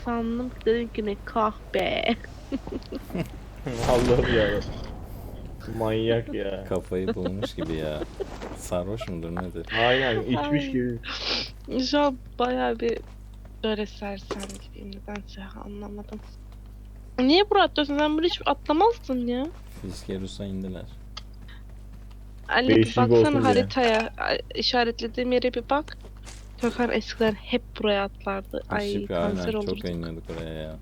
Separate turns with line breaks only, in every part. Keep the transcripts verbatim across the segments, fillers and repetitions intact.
sandım ki dedim ki ne kahpe.
Allah'ım ya. Manyak ya.
Kafayı bulmuş gibi ya. Sarhoş mudur nedir?
Aynen içmiş
Ay.
gibi.
Şu an bayağı bir böyle sersem gibiyim, nedense anlamadım. Niye buraya atlıyorsun? Sen böyle hiç atlamazdın ya.
Fiskerus'a indiler.
Ali
Değişiklik
baksana
olsun diye.
haritaya. A- işaretlediğim yere bir bak. Gökhan eskiden hep buraya atlardı. Ay
Şipi
kanser
aynen
olurduk.
çok oynuyorduk oraya ya.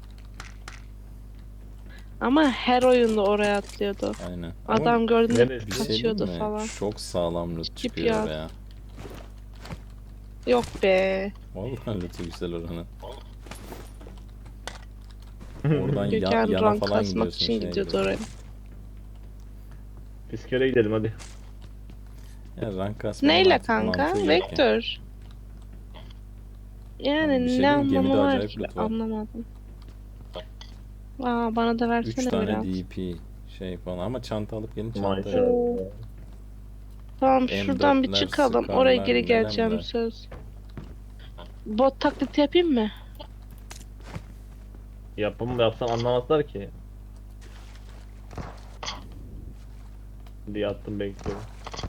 Ama her oyunda oraya atlıyordu.
Aynen.
Adam
Ama
gördüğünde
neresi?
bir şey
kaçıyordu
diyeyim mi?
falan.
Çok sağlam loot
Skip
çıkıyor
ya.
oraya.
Yok be.
Vallahi loot'u güzel oranın. Oradan ya,
Gökhan
yana
rank
falan
kasmak
gidiyorsun
için
şeye
gidiyordu
gidiyorsun.
oraya.
Biz kere gidelim hadi.
Ya rank kasmanın
Neyle
artık
kanka?
mantığı yok ki.
Vektör. Yani
Abi bir şey
ne
diyeyim mi?
anlamı
Gemide
var
acayip
ki?
loot var.
Anlamadım. Aa, bana da
üç
versene
tane
biraz.
D P şey falan ama çanta alıp gelin çanta.
Maşallah.
Oo. Tamam
M
şuradan bir
dörtler,
çıkalım. Oraya
Scar'lar,
geri geleceğim
Melemler.
söz. Bot taklidi yapayım mı?
Yapımı yapsan anlamazlar ki. Diye attım bekliyorum.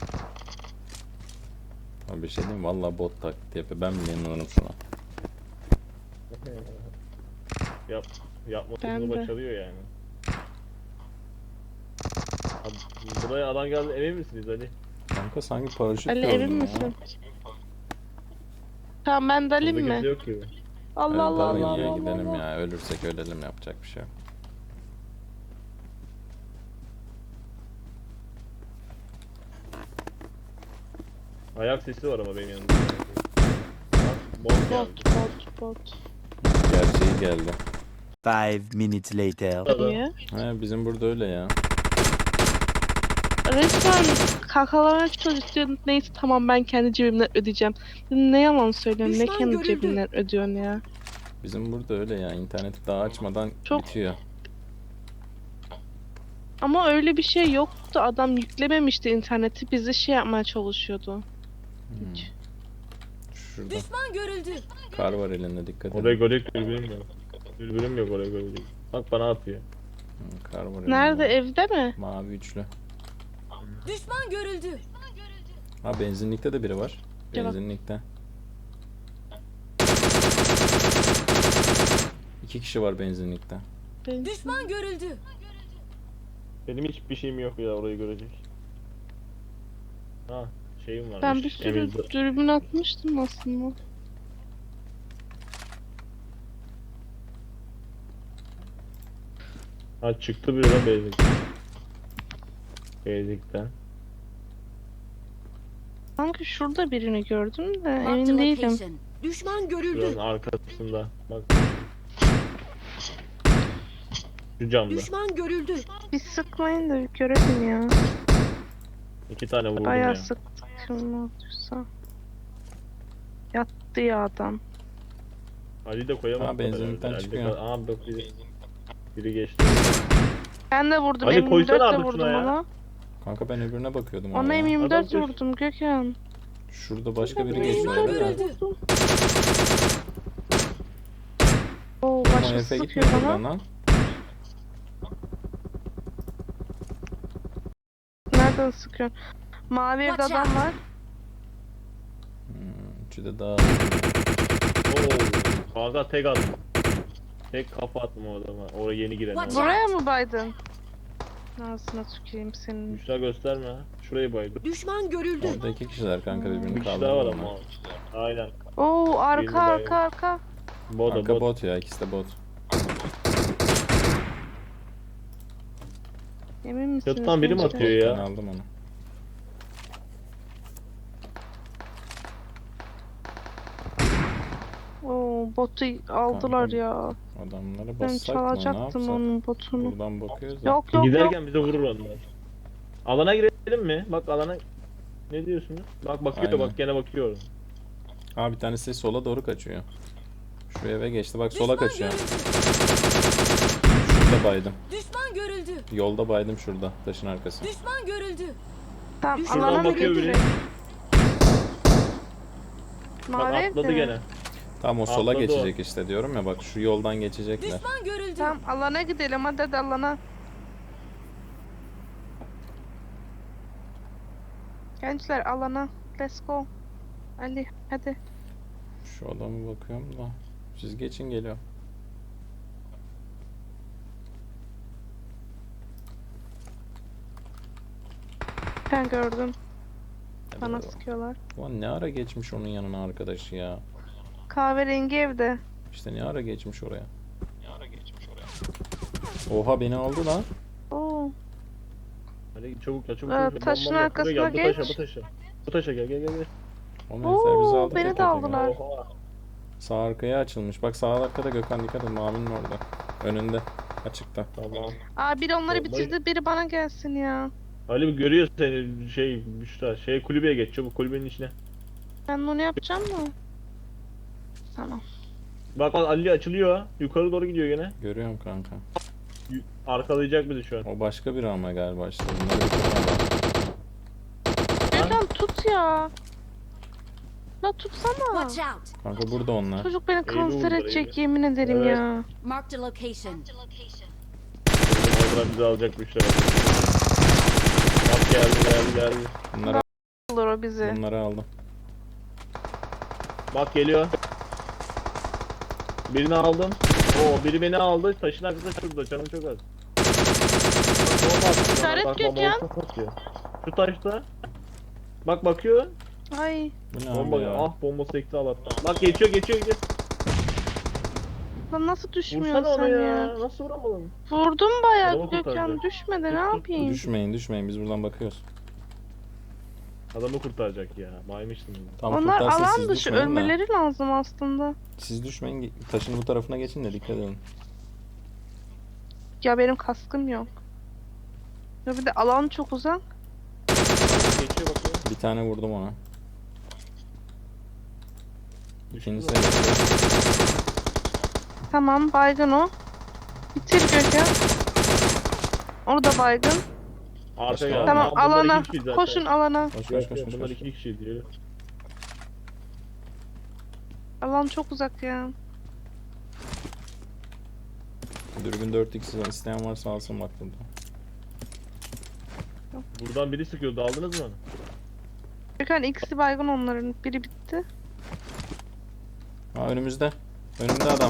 Abi bir şey diyeyim mi? Valla bot taklidi yapıyor. Ben bile inanırım şuna.
Yap,
Ben
yapmasını
de.
başarıyor yani. Abi, buraya adam geldi, emin misiniz Ali?
Kanka sanki paraşüt
Ali
gördüm
emin
ya.
misin? Tamam ben de alayım
Burada
mı?
kimse yok ki.
Allah
Hadi
Allah
dalın
Allah
ya
Allah
gidelim
Allah.
ya. Ölürsek ölelim yapacak bir şey yok.
Ayak sesi var ama benim yanımda. Bak, bot geldi.
Bot bot bot.
Gerçeği geldi.
Five minutes later.
Adam.
Niye?
He bizim burada öyle ya.
Resmen kakalamaya çalışıyorsun. Neyse tamam ben kendi cebimden ödeyeceğim. Ne yalan söylüyorsun? Ne
Düşman
kendi
görüldü.
cebinden ödüyorsun ya?
Bizim burada öyle ya. İnterneti daha açmadan
Çok-
bitiyor.
Ama öyle bir şey yoktu. Adam yüklememişti interneti. Bizi şey yapmaya çalışıyordu.
Hmm. Şurada
Düşman görüldü.
kar var elinde dikkat
Oraya
edin.
görecek dürbünüm yok. Dürbünüm yok oraya görecek. Bak bana atıyor.
Hmm, kar var elinde.
Nerede? Evde mi?
Mavi üçlü.
Düşman görüldü.
Ha benzinlikte de biri var.
Gel bak.
Benzinlikte. İki kişi var benzinlikte.
Ben,
Düşman görüldü.
Benim hiçbir şeyim yok ya orayı görecek. Ha şeyim varmış.
ben bir sürü
Emizde.
dürbün atmıştım aslında.
Ha çıktı biri lan Basic. Basic'ten.
Sanki şurada birini gördüm de
Marked
emin değilim.
location. Düşman görüldü.
Şuranın arkasında. Bak. Şu camda.
Düşman görüldü.
Bir sıkmayın da bir görelim ya.
İki tane vurdum
Bayağı
ya.
sıktık kim olduysa. Yattı ya adam.
Ali de koyamaz.
Ha, benzinlikten
herhalde. Ali de
çıkıyor.
kal- Aa bak biri, biri geçti.
Ben de vurdum.
Ali,
M yirmi
koysana
dört de
artık
vurdum
şuna ya.
ona.
Kanka ben öbürüne bakıyordum
Ona
ama ya.
M yirmi dört
Adam koş.
vurdum Gökhan.
Şurada başka biri
M yirmi
geçiyor.
dört
Düşman
Evet.
görüldü.
vurdum. Oo
Ama
başkası
Efe
sıkıyor
gitmiyor
bana.
buradan lan.
Nereden sıkıyor? Mavi evde
Watch
adam
out.
var.
Hmm, üçü de daha.
Oo. Kanka tek attım. Tek kafa attım o adama. Oraya yeni giren.
Watch
adam.
Buraya mı baydın? Ağzına tüküreyim senin.
Müşra gösterme ha. Şurayı baydım.
Düşman görüldü.
Orada iki kişiler kanka
Bir
birbirini
kişi daha var
kaldırdı.
ama. Aynen.
Oo
Birini
arka
bayıldım.
arka arka.
Boda
Kanka
bot.
bot ya ikisi de bot.
Emin misiniz?
Çatıdan biri mi
gençler?
atıyor ya?
Ben aldım onu.
Oo botu aldılar
Kanka,
ya.
Adamları
Ben
bassak mı ne
çalacaktım
yapsak?
onun botunu.
Buradan bakıyoruz da.
Yok yok yok.
Giderken bize vurur onlar. Alana girelim mi? Bak alana. Ne diyorsunuz? Bak bakıyor
Aynen.
bak gene bakıyor.
Aa bir tanesi sola doğru kaçıyor. Şu eve geçti bak sola
Düşman
kaçıyor.
görüldü.
Şurada baydım.
Düşman görüldü.
Yolda baydım şurada taşın arkası.
Düşman görüldü.
Tamam
Şuradan
alana mı
bakıyor biri.
götüreyim?
Bak
Mavi
atladı
evde mi?
gene.
Tam o sola
Atladı o.
geçecek işte diyorum ya, bak şu yoldan geçecekler.
Düşman görüldü.
Tamam alana gidelim hadi, hadi alana. Gençler alana. Let's go. Ali hadi.
Şu adamı bakıyorum da. Siz geçin, geliyor.
Ben gördüm.
Hadi
Bana
bakalım.
sıkıyorlar.
Ulan ne ara geçmiş onun yanına arkadaşı ya.
Kahverengi evde.
İşte ne ara geçmiş oraya. Ne ara geçmiş oraya. Oha, beni aldı lan.
Oo.
Hadi çabuk ya çabuk.
Ee,
çabuk.
taşın
Bombam yok.
arkasına
Buraya gel, bu taşa,
geç.
bu taşa. Bu taşa gel gel gel. gel.
O herifler bizi
Oo,
aldı.
beni
tek
de
tek.
aldılar.
Oha.
Sağ arkaya açılmış. Bak sağ arkada Gökhan, dikkat et, Mami'nin orada. Önünde. Açıkta.
Tamam.
Aa biri onları
Bombayı-
bitirdi, biri bana gelsin ya.
Ali bir görüyor seni şey Büşra. Şey kulübeye geç çabuk, kulübenin içine.
Ben onu yapacağım mı? Tamam.
Bak bak Ali açılıyor. Yukarı doğru gidiyor gene.
Görüyorum kanka.
Y- Arkalayacak bizi şu an.
O başka bir ama galiba işte. Bunları bitirmem.
Gökhan tut ya. La tutsana.
Watch out.
Kanka burada onlar.
Çocuk beni kanser
vurdular,
edecek
eğri.
yemin ederim
Evet.
ya.
Marked a location.
Oradan bizi alacak Büşra. Bak geldi geldi geldi.
Bunları,
Olur o bizi.
bunları aldım.
Bak geliyor. Birini aldım. Oo biri beni aldı. Taşın arkasında şurada. Canım çok az. Bak, bomba attı.
İşaret
Bak,
Gökhan.
bomba çok atıyor. Şu taşta. Bak bakıyor.
Ay.
Bu ne
Bomba
abi ya?
ah bomba sekti Allah'tan. Bak geçiyor geçiyor geçiyor.
Lan nasıl düşmüyorsun
Vursana
sen
onu
ya?
ya. Nasıl vuramadın?
Vurdum bayağı
Adamı
Gökhan,
kurtaracak.
düşmedi ne
Tut, tut,
yapayım?
Düşmeyin düşmeyin, biz buradan bakıyoruz.
Adamı kurtaracak ya. Maymıştım.
Tam
Onlar
kurtarsa
alan
siz
dışı
düşmeyin de.
ölmeleri lazım aslında.
Siz düşmeyin, ge- taşın bu tarafına geçin de dikkat edin.
Ya benim kaskım yok. Ya bir de alan çok uzak.
Geçiyor bakıyor.
Bir tane vurdum ona.
Düştü
İkincisi
mü?
de geçiyor.
Tamam baygın o. Bitir Gökhan. Onu da baygın.
Arka geldi.
Tamam
Bunlar
alana.
iki kişi zaten.
Koşun alana.
Koş koş
Yok,
koş
yok,
koş.
Bunlar
koş.
iki kişi diyor.
Alan çok uzak ya.
Dürbün dört x isteyen varsa alsın bak burada.
Buradan biri sıkıyordu. Aldınız mı onu?
Gökhan ikisi baygın onların. Biri bitti.
Ha önümüzde. Önümde adam.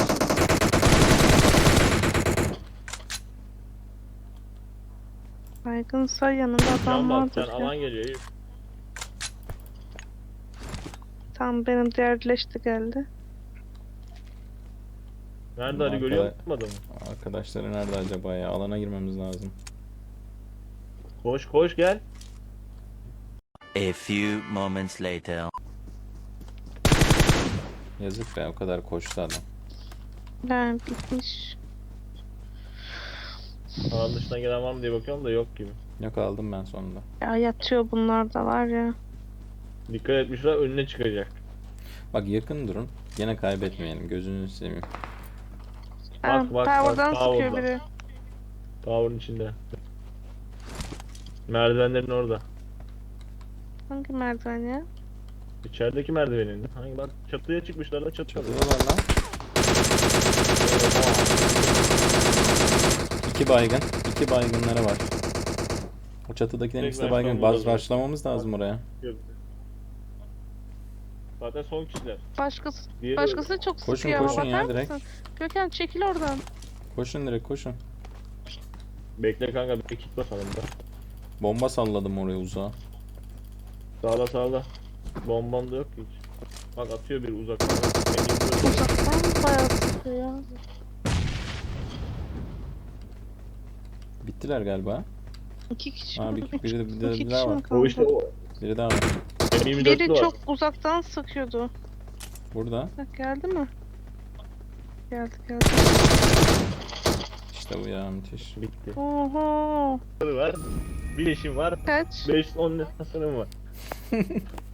Baygınsa yanında adam
Can bak sen
vardır ya.
alan geliyor. Eyüp.
Tamam benim diğerleşti geldi.
Nerede Ali
Arkada-
görüyor musun adamı?
Arkadaşları nerede acaba ya? Alana girmemiz lazım.
Koş koş gel.
A few moments later.
Yazık be, o kadar koştu adam.
Yani bitmiş.
Alan dışından gelen var mı diye bakıyorum da yok gibi.
Yok, aldım ben sonunda.
Ya yatıyor bunlar da var ya.
Dikkat etmişler önüne çıkacak.
Bak yakın durun. Gene kaybetmeyelim, gözünüzü seveyim.
Ha,
bak,
Tower'dan
bak,
sıkıyor
Tower'dan.
biri.
Tower'ın içinde. Merdivenlerin orada.
Hangi merdiven ya?
İçerideki merdivenin. Hangi bak çatıya çıkmışlar da çatıda.
Çatıdalar lan. İki baygın. iki baygınları var. O çatıdakilerin ikisi de
Direkt
baygın.
rushlamamız
Baz
lazım.
rushlamamız lazım oraya.
Zaten son kişiler.
Başkası,
Diğeri
başkası çok
Koşun,
sıkıyor ama
koşun ya,
bakar
direkt.
mısın? Gökhan çekil oradan.
Koşun direkt koşun.
Bekle kanka bir kit basalım da.
Bomba salladım oraya uzağa.
Sağla sağla. Bombam da yok ki hiç. Bak atıyor bir uzaktan. Emin böyle.
Uzaktan bayağı sıkıyor ya.
Bittiler galiba.
İki kişi
Ha,
mi?
bir-
Üç-
biri-
iki
biri
kişi
daha var.
mi kaldı?
O işte o.
Biri daha var.
M yirmi dörtlü
Biri
var.
çok uzaktan sıkıyordu.
Burada.
Bak geldi mi? Geldi geldi.
İşte bu ya, müthiş.
Bitti.
Oho.
Var. Bir eşim var.
Kaç?
beş on hasarım var.